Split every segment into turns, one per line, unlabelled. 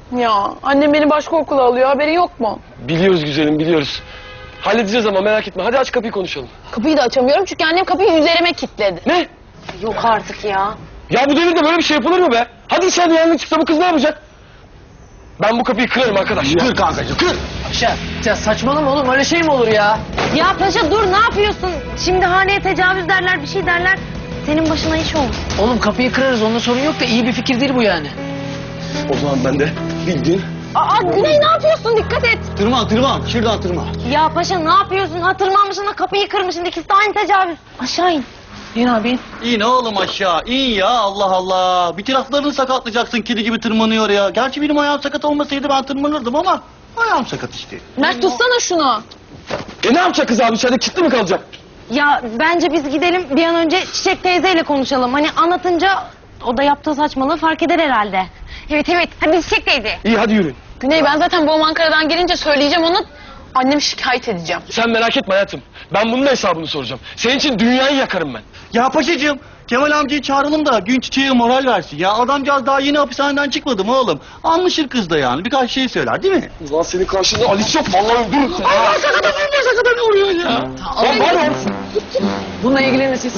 Ya annem beni başka okula alıyor, haberin yok mu?
Biliyoruz güzelim, biliyoruz. Halledeceğiz ama merak etme. Hadi aç kapıyı konuşalım.
Kapıyı da açamıyorum çünkü annem kapıyı üzerime kilitledi.
Ne?
Yok artık ya.
Ya bu devirde böyle bir şey yapılır mı be? Hadi içeride yangın çıksa bu kız ne yapacak? Ben bu kapıyı kırarım arkadaş.
Kır kankacığım kır.
Paşa ya saçmalama oğlum, öyle şey mi olur ya?
Ya paşa dur, ne yapıyorsun? Şimdi haneye tecavüz derler, bir şey derler. Senin başına iş olmuş.
Oğlum kapıyı kırarız, onda sorun yok da iyi bir fikir değil bu yani.
O zaman ben de bildiğin...
Aa Güney ne yapıyorsun? Dikkat et.
Tırman şuradan tırman.
Ya paşa ne yapıyorsun? Hatırlanmışsın da kapıyı kırmışsın. İkisi de aynı tecavüz. Aşağı in.
İn abi in.
İn oğlum aşağı in ya, Allah Allah. Bir taraflarını sakatlayacaksın, kedi gibi tırmanıyor ya. Gerçi benim ayağım sakat olmasaydı ben tırmanırdım ama ayağım sakat işte.
Mert tutsana şunu.
Ne yapacak kız abi içeride kilitli mi kalacak?
Ya bence biz gidelim bir an önce Çiçek teyzeyle konuşalım. Hani anlatınca o da yaptığı saçmalığı fark eder herhalde. Evet evet, hadi Çiçek teyze.
İyi hadi yürüyün.
Güney ben zaten babam Ankara'dan gelince söyleyeceğim ona. Annemi şikayet edeceğim.
Sen merak etme hayatım. Ben bunun da hesabını soracağım. Senin için dünyayı yakarım ben.
Ya paşacığım, Kemal amcayı çağıralım da gün Çiçek'e moral versin. Ya adamcağız daha yeni hapishaneden çıkmadı mı oğlum? Anlaşır kız da yani, birkaç şey söyler değil mi?
Ulan senin karşında Alice yok. Vallahi öldürürüm seni. Allah sakata ne oluyor ya? Lan var ya.
Bununla ilgilenin siz.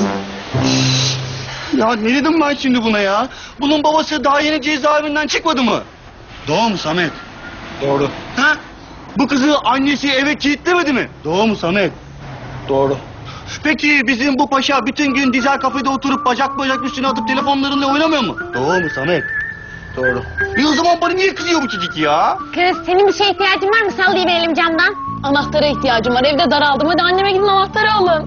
Ya ne dedim ben şimdi buna ya? Bunun babası daha yeni cezaevinden çıkmadı mı? Doğru mu Samet?
Doğru.
Ha? Bu kızı annesi eve kilitlemedi mi? Doğru mu Samet?
Doğru.
Peki bizim bu paşa bütün gün dizel kafede oturup bacak bacak üstüne atıp telefonlarıyla oynamıyor mu? Doğru mu Samet?
Doğru.
O zaman bana niye kızıyor bu çocuk ya?
Kız senin bir şeye ihtiyacın var mı? Sallayıverelim camdan.
Anahtara ihtiyacım var. Evde daraldım. Hadi anneme gidin anahtarı alın.